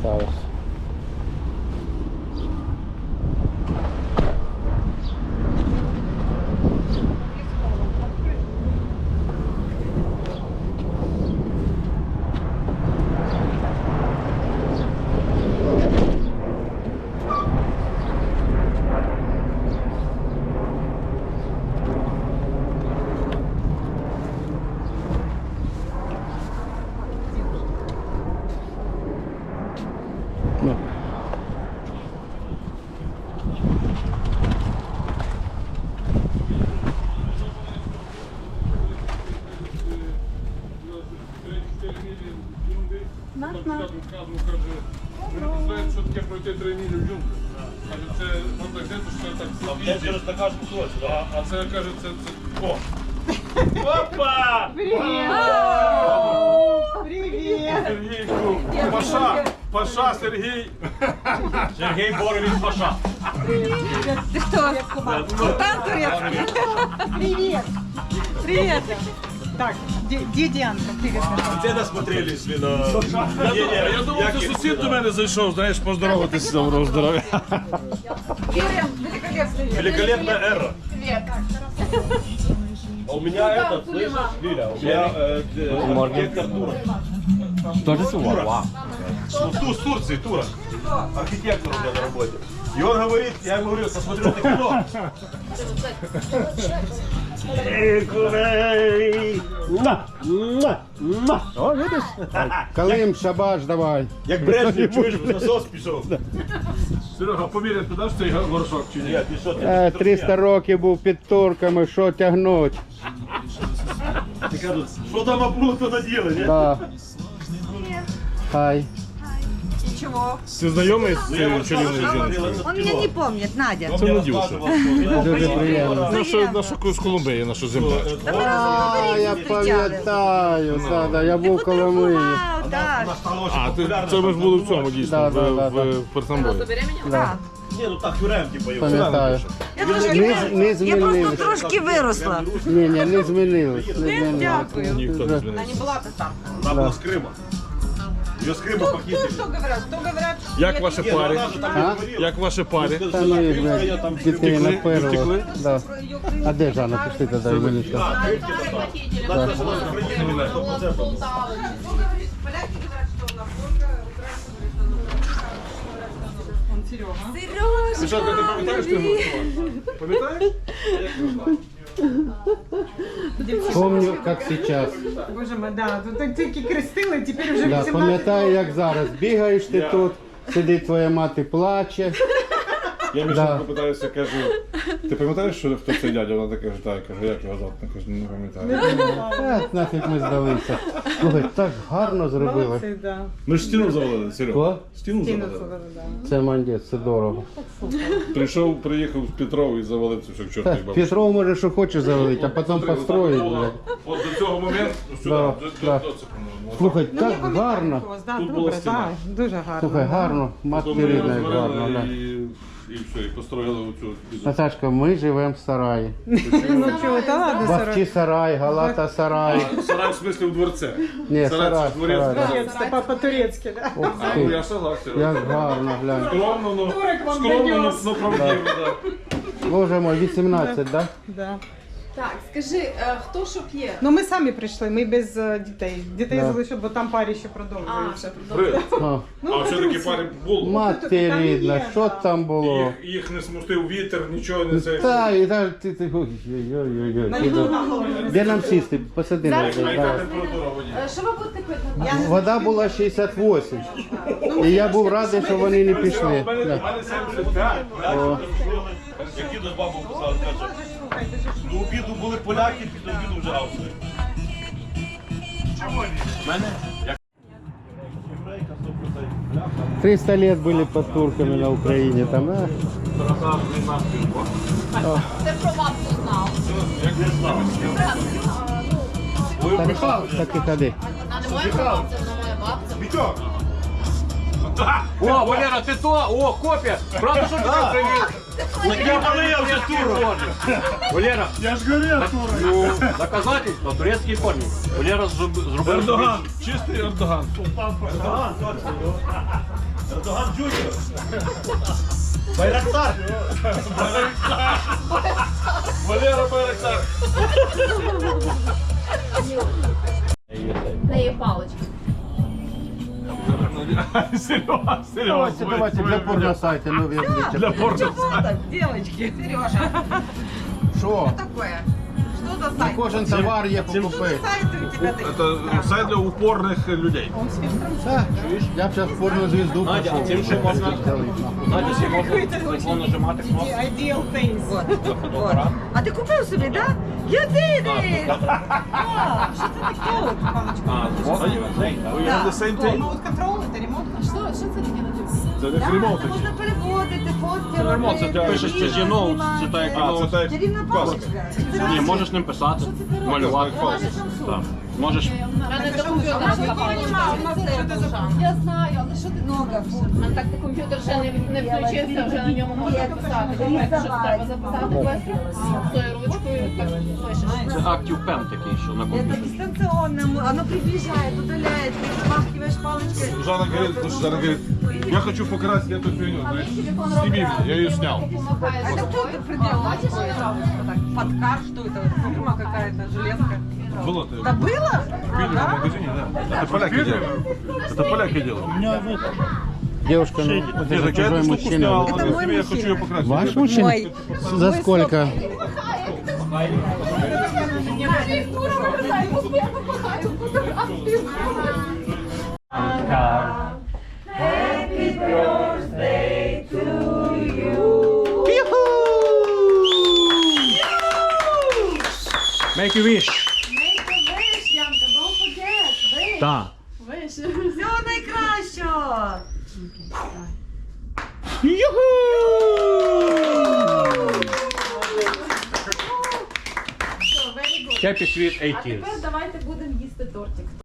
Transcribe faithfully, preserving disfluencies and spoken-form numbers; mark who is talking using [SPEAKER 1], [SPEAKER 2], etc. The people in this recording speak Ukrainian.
[SPEAKER 1] осталось. Ну.
[SPEAKER 2] Що таке пройти три мілі в джунглі? Каже, це фантазія, що так
[SPEAKER 3] Я через такашку кроці, да?
[SPEAKER 2] а це каже, це, це... О!
[SPEAKER 3] Опа!
[SPEAKER 4] Привет! Привет!
[SPEAKER 2] Сергійку! Паша! Паша, Сергій!
[SPEAKER 3] Сергій Борович Паша.
[SPEAKER 4] Ты что? Султан турецкий? Привет! Привет! Так, где, где Дианка? Привет, Наташа.
[SPEAKER 3] Це насмотрелись ви на...
[SPEAKER 2] Я думав, це сусід до мене зайшов, знаєш, поздороватися, доброго здоров'я.
[SPEAKER 4] Юрия, великолепный.
[SPEAKER 3] Великолепная эра.
[SPEAKER 4] Привет.
[SPEAKER 3] А у меня это, слышишь, Лиля, у меня э, э, архитектор Тура.
[SPEAKER 1] Тоже Тура?
[SPEAKER 3] Ну, Ту, с Турции, Тура. Архитектор у меня на работе. И он говорит, я ему говорю, посмотрю это кино.
[SPEAKER 1] О, видиш? Калим, шабаш, давай.
[SPEAKER 3] Як Брежнев, чуєш, в насос пішов.
[SPEAKER 2] Серега, поміряти даш цей горшок чи ні?
[SPEAKER 3] Ні, ти що, ти?
[SPEAKER 1] Е, триста років був під турками, що тягнуть?
[SPEAKER 3] Ти кажуть, що там оплуту наділи, ні?
[SPEAKER 1] Да. Хай.
[SPEAKER 4] Ничего.
[SPEAKER 2] Ти знайомий з
[SPEAKER 3] Я вот
[SPEAKER 2] чарівною жіночкою?
[SPEAKER 4] Он меня не помнит, Надя.
[SPEAKER 2] Це Надюша.
[SPEAKER 1] Дуже приємно.
[SPEAKER 2] Наша, наша з Колумбії, наша землячка.
[SPEAKER 4] Да мы
[SPEAKER 1] А,
[SPEAKER 4] разговаривали,
[SPEAKER 1] я
[SPEAKER 4] встречали.
[SPEAKER 1] пам'ятаю, да, да, я був коло миї.
[SPEAKER 4] Фотографував, да.
[SPEAKER 2] А, ти, це ми ж були в цьому дійсно,
[SPEAKER 1] Да,
[SPEAKER 2] в,
[SPEAKER 1] да, да,
[SPEAKER 2] в,
[SPEAKER 1] да.
[SPEAKER 2] в Персамболі.
[SPEAKER 4] Да.
[SPEAKER 3] Ні, ну так, тюрем, типу, його.
[SPEAKER 1] Пам'ятаю.
[SPEAKER 4] Я трошки,
[SPEAKER 1] Не,
[SPEAKER 4] вир-
[SPEAKER 1] не
[SPEAKER 4] я просто
[SPEAKER 1] змінились.
[SPEAKER 4] трошки виросла.
[SPEAKER 1] Ні, ні, не змінились. Не змінились.
[SPEAKER 4] Дякую.
[SPEAKER 2] Ніхто не змінився.
[SPEAKER 3] Вона була з Крима. Її з Крима похитили.
[SPEAKER 4] Что говорят? Кто говорят?
[SPEAKER 2] Як ваші
[SPEAKER 3] Ні, ну
[SPEAKER 2] пари?
[SPEAKER 3] вона ж там
[SPEAKER 1] А?
[SPEAKER 3] не говорила.
[SPEAKER 2] Як ваші пари?
[SPEAKER 1] Та ну,
[SPEAKER 3] Кримська,
[SPEAKER 1] блядь,
[SPEAKER 3] я там
[SPEAKER 1] дітей
[SPEAKER 2] Втекли?
[SPEAKER 1] наперли.
[SPEAKER 2] Втекли?
[SPEAKER 1] Да. А де Жанна? Пішли тоді, мені
[SPEAKER 3] А, Кримська там. Нас це з України, сто процентів.
[SPEAKER 2] Сашка, ти пам'ятаєш, ти голосував? Пам'ятаєш?
[SPEAKER 1] Помню, як зараз.
[SPEAKER 5] Боже мой, да, тут тільки крестили, тепер вже
[SPEAKER 1] Да,
[SPEAKER 5] вісімнадцять.
[SPEAKER 1] пам'ятаю, як зараз. Бігаєш ти тут, сидить твоя мати, плаче.
[SPEAKER 2] Я
[SPEAKER 1] Да.
[SPEAKER 2] Мішанку питаюся, кажу, ти пам'ятаєш, що хто цей дядя? Вона така каже, так, я кажу, як його звати? Вона каже, не пам'ятаю.
[SPEAKER 1] Е, нафіг ми здалися. Слухай, так гарно зробили.
[SPEAKER 5] Молодці, да.
[SPEAKER 2] Ми ж стіну завалили, Серега.
[SPEAKER 1] Що?
[SPEAKER 2] Стіну
[SPEAKER 5] Стіну
[SPEAKER 2] завалили.
[SPEAKER 5] сюди, да.
[SPEAKER 1] Це мандець, це дорого.
[SPEAKER 2] Прийшов, приїхав з Петрова і завалив це все в чортій
[SPEAKER 1] Так,
[SPEAKER 2] бабусі.
[SPEAKER 1] Петров може, що хоче завалити, а потім построїть, блядь.
[SPEAKER 2] От до цього моменту, сюди,
[SPEAKER 1] Да,
[SPEAKER 2] до,
[SPEAKER 1] да.
[SPEAKER 2] до, до цього.
[SPEAKER 1] Слухай,
[SPEAKER 5] Ну,
[SPEAKER 1] так
[SPEAKER 5] я пам'ятаю
[SPEAKER 1] гарно.
[SPEAKER 5] когось, да,
[SPEAKER 2] Тут була
[SPEAKER 5] добре,
[SPEAKER 2] стіна.
[SPEAKER 5] да, дуже гарно.
[SPEAKER 1] Слухай, гарно, матки
[SPEAKER 2] Потім ми
[SPEAKER 1] рідної
[SPEAKER 2] його
[SPEAKER 1] гарно.
[SPEAKER 2] зварили
[SPEAKER 1] Да.
[SPEAKER 2] і, і все, і построїли оцю ізу.
[SPEAKER 1] Наташка, ми живемо в сараї.
[SPEAKER 5] Ну чого, та ладно,
[SPEAKER 1] Бахчі
[SPEAKER 5] сорок.
[SPEAKER 1] сарай, Галата сарай.
[SPEAKER 2] Сарай в смислі в дворце.
[SPEAKER 1] Ні,
[SPEAKER 2] Сарай це
[SPEAKER 1] сарай,
[SPEAKER 2] ж дворець.
[SPEAKER 1] сарай.
[SPEAKER 2] Да.
[SPEAKER 5] Це по- по-турецьки, да.
[SPEAKER 1] Ух
[SPEAKER 2] Ну,
[SPEAKER 1] ти,
[SPEAKER 2] я согласен.
[SPEAKER 1] як гарно, глянь.
[SPEAKER 2] Скромно, но,
[SPEAKER 5] Турик вам
[SPEAKER 2] скромно, но,
[SPEAKER 5] донес.
[SPEAKER 2] но правдиво, да.
[SPEAKER 1] Боже мой, вісімнадцять, да?
[SPEAKER 5] Да.
[SPEAKER 6] Так, скажи, е, хто що п'є?
[SPEAKER 5] Ну ми самі прийшли, ми без е, дітей. Дітей
[SPEAKER 1] Да.
[SPEAKER 5] залишили, бо там парі ще
[SPEAKER 6] А,
[SPEAKER 5] продовжуються.
[SPEAKER 2] Привіт.
[SPEAKER 1] О,
[SPEAKER 5] Ну,
[SPEAKER 2] А все-таки
[SPEAKER 5] друзі.
[SPEAKER 2] пари було.
[SPEAKER 1] мати
[SPEAKER 5] Там є,
[SPEAKER 1] рідна, що
[SPEAKER 5] да.
[SPEAKER 1] там було?
[SPEAKER 2] Їх, їх не смустив вітер, нічого не це.
[SPEAKER 1] Та, і та, ти, ти, ой-ой-ой.
[SPEAKER 5] На нього на голову.
[SPEAKER 1] Де нам сісти? Посади нас.
[SPEAKER 6] Зараз
[SPEAKER 2] Яка
[SPEAKER 1] давай.
[SPEAKER 2] температура в воді?
[SPEAKER 6] Е, Що ви будете пити? на
[SPEAKER 5] Я не
[SPEAKER 1] Вода була шістдесят вісім. І я був радий, що вони не пішли.
[SPEAKER 2] У мене, у
[SPEAKER 1] Да.
[SPEAKER 2] мене сімдесят п'ять.
[SPEAKER 1] О,
[SPEAKER 3] Як діду з бабою писали, каже, до обіду були поляки, після обіду вже Австрія. Мене? Як єврейка, сто процентів.
[SPEAKER 1] триста лет были под турками на Украине. Там, а?
[SPEAKER 6] Це про бабцю знав.
[SPEAKER 3] Як не знав.
[SPEAKER 1] Так, так і ходи.
[SPEAKER 6] Вона не моя бабця, вона моя бабця.
[SPEAKER 3] Вітьок!
[SPEAKER 7] О, Валера, ти то? О, копія! Правда, що ти так привіз?
[SPEAKER 3] Так я полиявся
[SPEAKER 7] Турецький
[SPEAKER 3] туром!
[SPEAKER 7] корні. Валера,
[SPEAKER 3] Я ж горів туром!
[SPEAKER 7] ну, доказательство, турецький корні. Валера зроб- зробив...
[SPEAKER 2] Ердоган, чистий Ердоган.
[SPEAKER 3] Ага, точно. Ердоган Джуніор. Байрактар.
[SPEAKER 2] Валера Байрактар.
[SPEAKER 6] Не є палички.
[SPEAKER 2] Серега, Серега.
[SPEAKER 1] Давайте, давайте, для порносайта, ну ви
[SPEAKER 2] Для порно.
[SPEAKER 4] Девочки. Сережа,
[SPEAKER 1] Що?
[SPEAKER 4] такое? Что за
[SPEAKER 1] На
[SPEAKER 4] сайт?
[SPEAKER 1] кожен товар є покупити.
[SPEAKER 4] Сайты у тебя такие.
[SPEAKER 2] Это сайт для упорних людей.
[SPEAKER 1] Так, я б зараз порну звізду
[SPEAKER 7] Надя, а цим ще можна? Надя, ще можна телефон нажимати кнопку.
[SPEAKER 5] Ideal things.
[SPEAKER 4] Вот, вот. А ти купив собі, да? Я дidi! Що це таке от, паночка?
[SPEAKER 7] А, вот, цей, так.
[SPEAKER 2] We have the same thing.
[SPEAKER 5] Remote control, это ремонт.
[SPEAKER 6] А що, що це таке на тобі?
[SPEAKER 2] Це не ремонт.
[SPEAKER 4] Це можна переводити, фотки
[SPEAKER 7] Це нормально, це ти
[SPEAKER 4] робити,
[SPEAKER 7] пишеш
[SPEAKER 4] відео
[SPEAKER 7] через ноут,
[SPEAKER 4] знімати.
[SPEAKER 7] це так як
[SPEAKER 2] А, це
[SPEAKER 7] ноут.
[SPEAKER 2] так.
[SPEAKER 4] Чарівна паличка.
[SPEAKER 7] Ні, можеш ним писати, малювати. Так. Можеш.
[SPEAKER 6] У мене до комп'ютера така паличка. Я знаю, але що ти думаєш? У мене так комп'ютер ще не, не включився, вже на ньому можна писати. Думаю, що треба записати швидко, цією ручкою так пишеш.
[SPEAKER 7] Це Active Pen такий, що на
[SPEAKER 4] Это
[SPEAKER 7] комп'ютері.
[SPEAKER 4] дистанционно, оно приближает, удаляет, ты взмахиваешь палочкой.
[SPEAKER 2] Жанна говорит, потому что Жанна говорит, я хочу покрасить эту фигню. Говорит, сними меня, я ее снял.
[SPEAKER 4] Это кто это придумал?
[SPEAKER 6] Бачиш, що я роблю?
[SPEAKER 4] Подкар, что это? Фирма какая-то, железка.
[SPEAKER 2] Было ты.
[SPEAKER 4] Да было?
[SPEAKER 2] Видели в магазине, да. Это поляки делают. Это поляки делают.
[SPEAKER 1] Девушка, ну,
[SPEAKER 2] Я
[SPEAKER 1] это же
[SPEAKER 2] так, я
[SPEAKER 1] чужой
[SPEAKER 2] эту штуку снял,
[SPEAKER 1] мужчина.
[SPEAKER 4] Это мой
[SPEAKER 2] я хочу
[SPEAKER 4] мужчина.
[SPEAKER 2] ее покрасить.
[SPEAKER 1] Ваш мужчина?
[SPEAKER 4] Мой.
[SPEAKER 1] За сколько?
[SPEAKER 6] Тура виглядає, я попадаю в фотографію.
[SPEAKER 7] Make a wish.
[SPEAKER 6] Make a wish, Янка, don't forget. Wish.
[SPEAKER 7] Так.
[SPEAKER 6] Wish.
[SPEAKER 4] Всього найкращого!
[SPEAKER 6] Very good.
[SPEAKER 7] Happy Sweet
[SPEAKER 6] А
[SPEAKER 7] eighties.
[SPEAKER 6] тепер давайте будемо їсти тортик.